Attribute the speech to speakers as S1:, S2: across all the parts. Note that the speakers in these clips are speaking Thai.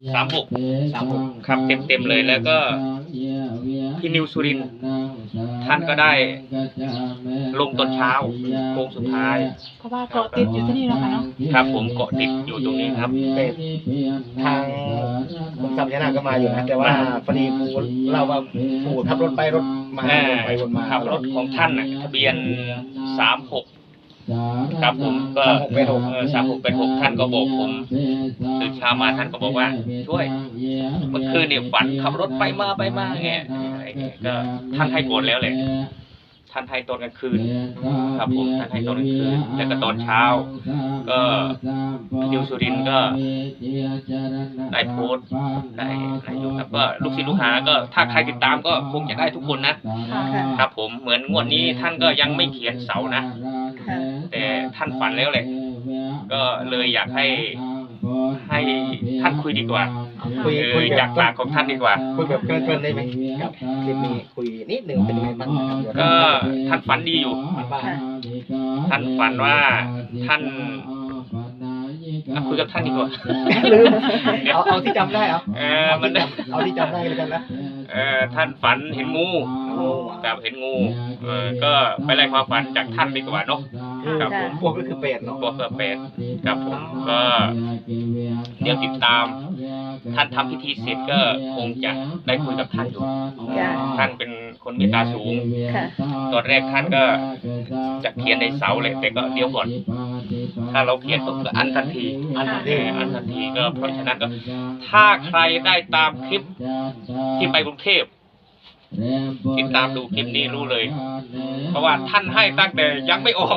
S1: 36
S2: 36
S1: ครับเต็มเลยแล้วก็พี่นิวสุรินทร์ท่านก็ได้ลงตอนเช้าโค้งสุดท้าย
S3: เพราะว่าเกาะติดอยู่ที่นี่แล้วค่ะเนาะ
S1: ครับผมเกาะติดอยู่ตรงนี้ครับ
S2: แต่ทางผมจำชนะก็มาอยู่นะแต่ว่าพอดีปูเล่าว่าปูขับรถไปรถมาวนไปวนมา
S1: ขับรถของท่านน่ะทะเบียน36ครับผมก็3686ท่านก็บอกผมตื่นเช้ามาท่านก็บอกว่าช่วยเมื่อคืนเนี่ยฝันขับรถไปมาไงอะไรเงี้ยก็ท่านให้ก่อนแล้วแหละท่านให้ตอนกลางคืนครับผมท่านให้ตอนกลางคืนแล้วก็ตอนเช้าก็พี่นิวสุรินทร์ก็ได้โพสต์ได้อะไรอยู่ครับก็ลูกศิษย์ลูกหาก็ถ้าใครติดตามก็คงจะได้ทุกคนนะครับผมเหมือนงวดนี้ท่านก็ยังไม่เขียนเสานะแต่ท่านฝันแล้วแหละก็เลยอยากให้ท่านคุยดีกว่าคุยจากปากของท่านดีกว่า
S2: คุยแบบเกินได้ไหมครับคลิปนี้คุยนิดหนึ่งเป็นไงบ้างครับ
S1: ก็ท่านฝันดีอยู่ท่านฝันว่าท่านคุยกับท่านดีกว่า
S2: ลืมเอาที่จำได้เอาที่จำได้เลยกันนะ
S1: ท่านฝันเห็นงูกับเห็นงูก็ไปไล่ความฝันจากท่านดีกว่าเนาะครับผม
S2: พวกก็คือเป็ดเนาะ
S1: พวกก็เป็ดครับผมก็เดี๋ยวติดตามท่านทำพิธีเสร็จก็คงจะได้คุยกับท่านอยู่ท่านเป็นคนเมตตาสูงตอนแรกท่านก็จะเขียนในเสาเลยแต่ก็เดี๋ยวก่อนถ้าเราเขียนปุ๊บก็อันทันทีก็เพราะฉะนั้นก็ถ้าใครได้ตามคลิปที่ไปกรุงเทพติดตามดูคลิปนี้รู้เลยเพราะว่าท่านให้ตั้งแต่ยังไม่ออก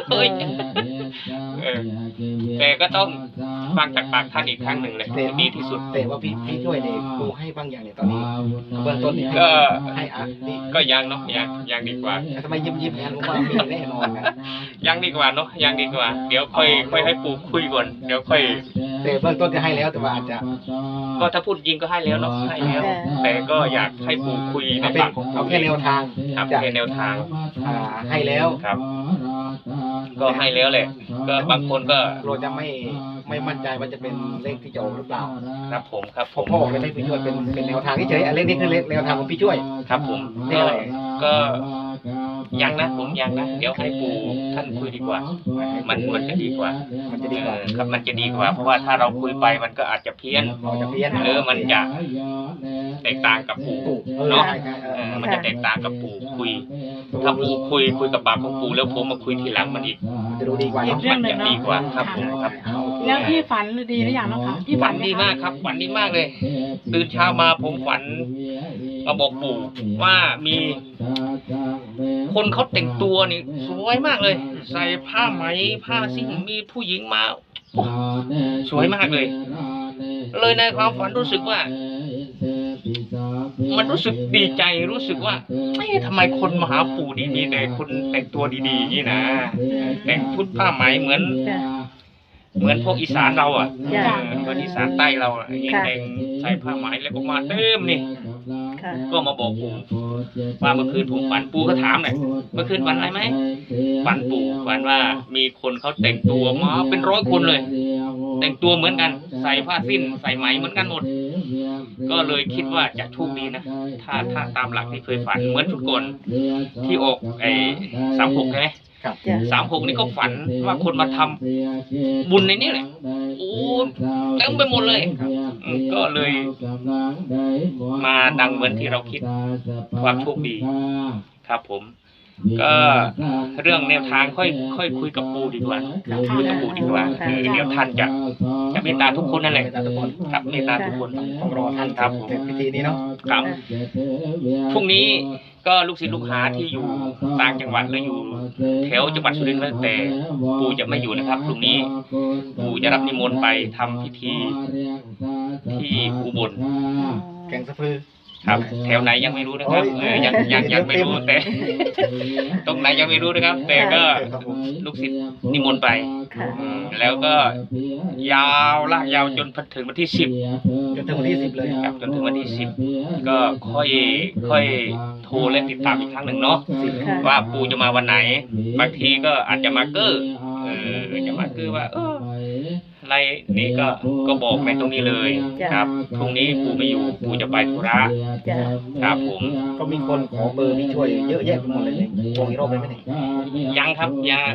S1: แต่ก็ต้องฟังจากปากท่านอีกครั้งหนึ่งเลยดีที่สุด
S2: แต่ว่าพี่ช่วยเนี่ยปูให้บางอย่างเนี่ยตอนนี้เบื้องต้น
S1: ก็
S2: ให้
S1: ก็ยังเนาะยังดีกว่า
S2: ทำไมยิ้มงั้นว่ามีแน่นอน
S1: ยังดีกว่าเนาะยังดีกว่าเดี๋ยวค่อยให้ปูคุยก่อนเดี๋ยวค่อย
S2: แต่เบื้องต้นจะให้แล้วแต่ว่าอาจจะ
S1: ก็ถ้าพูดจริงก็ให้แล้วเนาะให้แล้วแต่ก็อยากให้ปูคุยในปาก
S2: เอาแค่แนวทาง
S1: ครับแค่แนวทาง
S2: ให้แล้ว
S1: ครับก็ให้แล้วแหละก็บางคนก็
S2: เราจะไม่มั่นใจว่าจะเป็นเลขที่จะออกหรือเปล่า
S1: ครับผมครับ
S2: ผมบอกเลยให้พี่ช่วยเป็นแนวทางเฉยๆเลขนี้คือแนวทางของพี่ช่วย
S1: ครับผมก็ยังนะผมยังนะเดี๋ยวให้ปู่ท่านคุยดีกว่ามันจะดีกว่าครับมันจะดีกว่าเพราะว่าถ้าเราคุยไปมันก็อาจจะเพี้ยนหรือมันจะแตกต่างกับปู่เนาะมันจะแตกต่างกับปู่คุยถ้าปู่คุยกับปากของปู่แล้วผมมาคุยทีหลังมันอีก
S2: จะดูดีกว่า
S1: มันจะดีกว่าครับผมครับ
S3: แล้วพี่ฝันดีหรือยังนะคะพี่
S1: ฝันดีมากครับฝันดีมากเลยตื่นเช้ามาผมฝันมาบอกปู่ว่ามีคนเขาแต่งตัวนี่สวยมากเลยใส่ผ้าไหมผ้าสิ้นมีผู้หญิงมาสวยมากเลยในความฝันรู้สึกว่ามันรู้สึกดีใจรู้สึกว่าทำไมคนมาหาปู่ดีๆแต่คนแต่งตัวดีๆนี่นะแต่งชุดผ้าไหมเหมือนพวกอีสานเราอ่ะเหมือนอีสานใต้เราอ่ะแต่งใส่ผ้าไหมแล้วก็มาเต็มนี่ก็มาบอกปู่ว่าเมื่อคืนผมฝันปู่ก็ถามหน่อยเมื่อคืนฝันอะไรไหมฝันปู่ฝันว่ามีคนเขาแต่งตัวมาเป็น100 คนเลยแต่งตัวเหมือนกันใส่ผ้าสิ้นใส่ไหมเหมือนกันหมดก็เลยคิดว่าจะโชคดีนะถ้าตามหลักที่เคยฝันเหมือนชุดก่อนที่ออก36ใช่ไหม36นี่ก็ฝันว่าคนมาทำบุญในนี้แหละโอ้เต็มไปหมดเลยก็เลยมาดังเหมือนที่เราคิดความโชคดีครับผมก็เรื่องแนวทางค่อยคุยกับปู่ดีกว่าคุยกับปู่ดีกว่าเดี๋ยวท่านจะเมตตาทุกคนนั่นแหละครับเมตตาทุกคน
S2: ต้องรอท่านครับพิธีนี้เนาะ
S1: ครับพรุ่งนี้ก็ลูกศิษย์ลูกหาที่อยู่ต่างจังหวัดหรืออยู่แถวจังหวัดสุรินทร์แล้วแต่ปู่จะไม่อยู่นะครับพรุ่งนี้ปู่จะรับนิมนต์ไปทำพิธีที่อุบล
S2: แกงสะพือ
S1: ครับแถวไหนยังไม่รู้นะครับยังไม่รู้แต่ตรงไหนยังไม่รู้นะครับแต่ก็ลูกศิษย์นิมนต์ไปแล้วก็ยาวลากยาวจนถึงวันที่10
S2: จนถึงวันที่10เลย
S1: ครับจนถึงวันที่10ก็ค่อยโทรและติดตามอีกครั้งหนึ่งเนาะว่าปู่จะมาวันไหนบางทีก็อาจจะมาเก้อจะมาเก้อว่าไลน์นี้ก็บอกในตรงนี้เลย
S4: จ้ะ
S1: ครับพรุ่งนี้ปู่ไม่อยู่ปู่จะไปธุระ
S4: จ้ะ
S1: ครับผม
S2: ก็มีคนขอเบอร์พี่ช่วยเยอะแยะไปหมดเลยโทรอีกรอบได้ไหมเนี่ย
S1: ยังครับยัง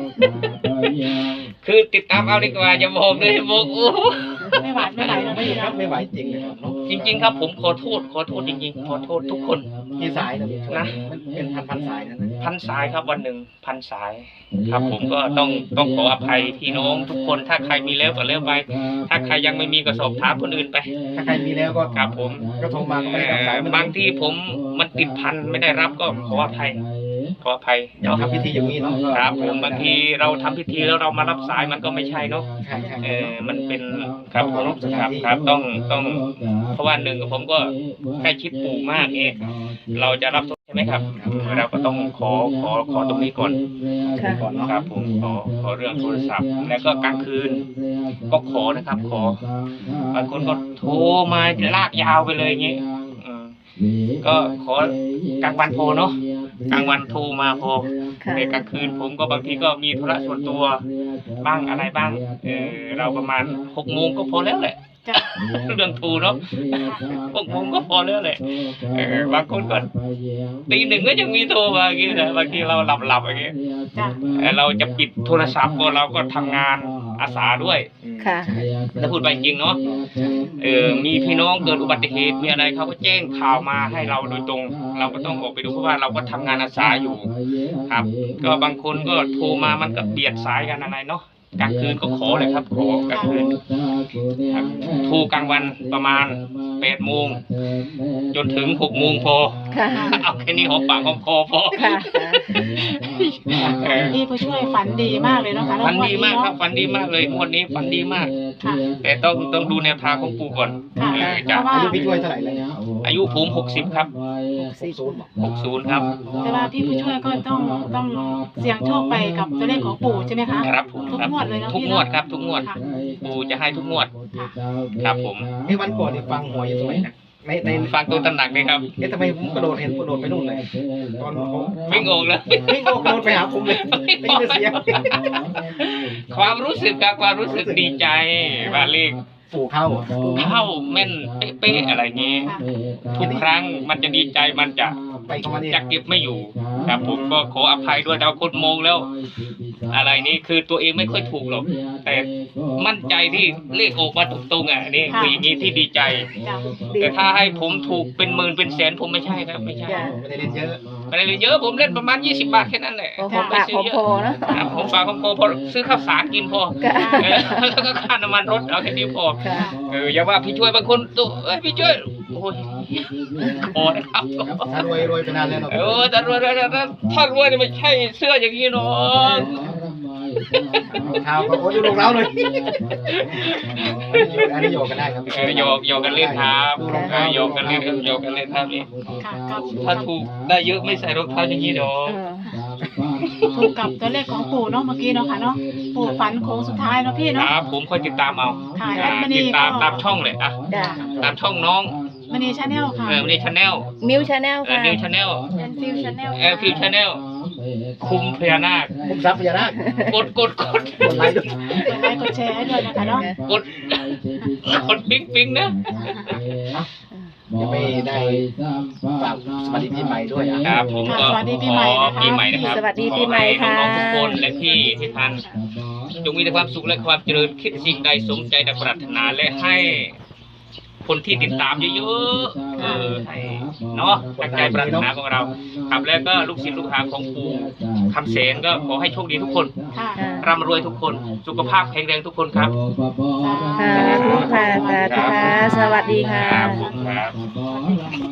S1: คือติดตามเอาดีกว่าจะบอกเลยบอกโอ้
S3: ไม่ไหวไม่ไหวแล้ว
S2: ไม่
S3: พี่
S2: ครั
S3: เนาะ
S2: บไม่ไหวจริงเลยครับเนาะ
S1: จริง ๆ ครับผมขอโทษจริงๆขอโทษทุกคน
S2: กี่สายนะพี่ช่วย
S1: นะ
S2: มันเป็นพันสายนะ
S1: พันสายครับวันหนึ่งพันสาย ครับผมก็ต้องขออภัยพี่น้องทุกคนถ้าใครมีแล้วก็แล้วไป ถ้าใครยังไม่มีก็สอบถามคนอื่นไป
S2: ถ้าใครมีแล้วก็
S1: ครับผม
S2: ก็โทรมาก็ไม่ได้รับสายมัน
S1: บางที่ผมมันติดพันไม่ได้รับก็ขออภัย
S2: อยาก
S1: เนาะ
S2: ทำพิธีอย่างนี้เนาะ
S1: ครับผมบางทีเราทำพิธีแล้วเรามารับสายมันก็ไม่ใช่เนาะ
S2: ใช่ใช่
S1: มันเป็นครับผมครับต้องเพราะว่าหนึ่งผมก็ใกล้ชิดปู่มากเองเราจะรับใช่ไหมครับเราก็ต้องขอตรงนี้ก่อน
S4: ค่ะ
S2: ก่อนเนาะ
S1: ครับผมขอเรื่องโทรศัพท์ แล้วก็กลางคืนก็ขอนะครับบางคนก็โทรมาลากยาวไปเลยอย่างงี้ก็ขอกลางวันโทรเนาะกลางวันโทรมาพอ
S4: ค่ะ
S1: แต่กลางคืนผมก็บางทีก็มีธุระส่วนตัวบ้างอะไรบ้างเราประมาณ6 โมงก็พอแล้วแหละ
S3: จ้ะ
S1: เรื่องโทรเนาะ6 โมงก็พอแล้วแหละบางคนก็ตี 1ก็ยังมีโทรมาอย่างงี้นะบางทีเราหลับอย่างงี้
S3: จ้ะ
S1: เราจะปิดโทรศัพท์ก็เราก็ทำงานอาสาด้วย
S4: ค่ะ
S1: ถ้าพูดไปจริงเนาะมีพี่น้องเกิดอุบัติเหตุมีอะไรเขาก็แจ้งข่าวมาให้เราโดยตรง เราก็ต้องออกไปดูเพราะว่าเราก็ทำงานอาสาอยู่ครับ ก็บางคนก็โทรมามันก็เบียดสายกันอะไรเนาะกลางคืนก็ขอเลยครับขอกลางคืนครับโทรกลางวันประมาณ8 โมงจนถึง6 โมงพอ
S4: ค่ะ
S1: เอาแค่นี้หอมปากหอมคอพอ
S4: ค่ะ
S3: พี่ผู้ช่วยฝันดีมากเลยเนาะคะ
S1: ฝันดีมากครับฝันดีมากเลยงวดนี้ฝันดีมาก
S3: ค่ะ
S1: แต่ต้องดูแนวทางของปู่ก่อน
S3: ค่ะ
S1: จะ
S3: เพราะว่า
S2: อายุพี่ช่วยเท่าไหร่แล้วเนี่ย
S1: อายุผม60ครับ 60ครับ
S3: แต่ว่าพี่ผู้ช่วยก็ต้องเสี่ยงโชคไปกับตัวเลขของปู่ใช่ไหมคะ
S1: ครับผม
S3: ทุก
S1: ครับ
S3: งวดเลยเนาะ
S1: ทุก
S3: พี่
S1: งว
S3: เนาะ
S1: ดครับทุกงวด
S3: ค่ะ
S1: ปู่จะให้ทุกงวด
S3: ค่ะ
S1: ครับผม
S2: ไอ้วันก่อนนี่ฟังหวยอยู่ตรงไหนนะใน
S1: ฟังตัวตำหนักเลยครับ
S2: ทำไมผมกระโดดเห็นกระโดดไปนู่นเลยตอนผม
S1: วิ่งออกเลย
S2: วิ่งโอกระโดดไปหาผมเลยได้ยินเสียง
S1: ความรู้สึกครับความรู้สึกดีใจว่าเลข
S2: ปู่เข้า
S1: เข้าแม่นเป๊ะๆอะไรอย่างงี้
S3: ค่ะ
S1: ทุกครั้งมันจะดีใจมันจะ
S2: ไปเข้ามานี่
S1: จะเก็บไม่อยู่ครับผมก็ขออภัยด้วยแต่ว่าคนมองแล้ว อะไรนี้คือตัวเองไม่ค่อยถูกหรอกแต่มั่นใจที่เลขออกมาตรงๆอ่ะนี่คืออย่างนี้ที่ดีใจ
S3: จ้ะ
S1: แต่ถ้าให้ผมถูกเป็นหมื่นเป็นแสนผมไม่ใช่ครับไม่ใช่
S4: จ้ะ
S2: ไม่ได้เล่นเยอะ
S1: ไม่ได้เลยเยอะผมเล่นประมาณ20 บาทแค่นั้นแหละ
S4: โอ้หอมปากหอมคอเนอะ
S1: ครับผมฝากของพอซื้อข้าวสารกินพอ
S4: ค่ะ
S1: แล้วก็ค่าน้ำมันรถเอาแค่นี้พอ
S4: ค่ะ
S1: อย่าว่าพี่ช่วยบางคนตัวพี่ช่วยโอ้ยพอนะครับ
S2: ถ้ารวยไปนานแล้วเนาะ
S1: แต่รวยถ้ารวยนี่ไม่ใช่เสื้ออย่างนี้เนาะ
S2: เท้าก็โอ้ยดูรองเท้าเลยอันนี้โยกกันได้ครับ
S1: โยกกันเล่นครับโยกกันเล่นครับโยกกันเล่นครับนี่
S3: ค่ะกับ
S1: ถ้าถูกได้เยอะไม่ใส่รองเท้าอย่างนี้เนาะ
S4: เออ
S3: ถูกกับตัวเลขของปู่เนาะเมื่อกี้เนาะค่ะเนาะปู่ฝันโค้งสุดท้ายเนาะพี่
S1: ค
S3: เนาะ
S1: รับผมค่อยติดตามเอา
S3: ค่ะแอดมิน
S1: ติดตาม
S3: ก็
S1: ตามช่องเลยอ่ะ
S4: จ้ะ
S1: ตามช่องน้อง
S3: มณีชาแนลค่ะ
S1: วันนี้ชาแนล
S4: มิวชาแนลค่ะ
S1: นิวชาแนล
S3: แอนฟิวชาแนล
S1: ฟิวชาแนลคุมพญานาค
S2: ผมซับพญานาค
S1: กด
S2: กดไลค์ด้วย
S3: กดไลค์กดแชร์ให้ด้วยนะคะเนาะ
S1: กดปิ๊งนะ
S2: ยังไม่ได้ฝากสวัสดีปีใหม่ด้วยอ่ะ
S1: ครับผมก็ขอปีใหม่นะครับ
S4: สวัสดีปีใหม่ค่ะ
S1: ขอให้น้องๆทุกคนและพี่ที่ทันจงมีแต่ความสุขและความเจริญคิดสิ่งใดสมใจดังปรารถนาและให้คนที่ติดตามเยอะๆให้เนาะตั้งใจปรารถนาของเราครับแล้วก็ลูกศิษย์ลูกหาของปู่คำเสนก็ขอให้โชคดีทุกคน
S3: ค่ะ
S1: ร่ำรวยทุกคนสุขภาพแข็งแรงทุกคนครับ
S4: ค่ะทุกค่ะสาธุค่ะ สวัสดีค่ะ
S1: ครับ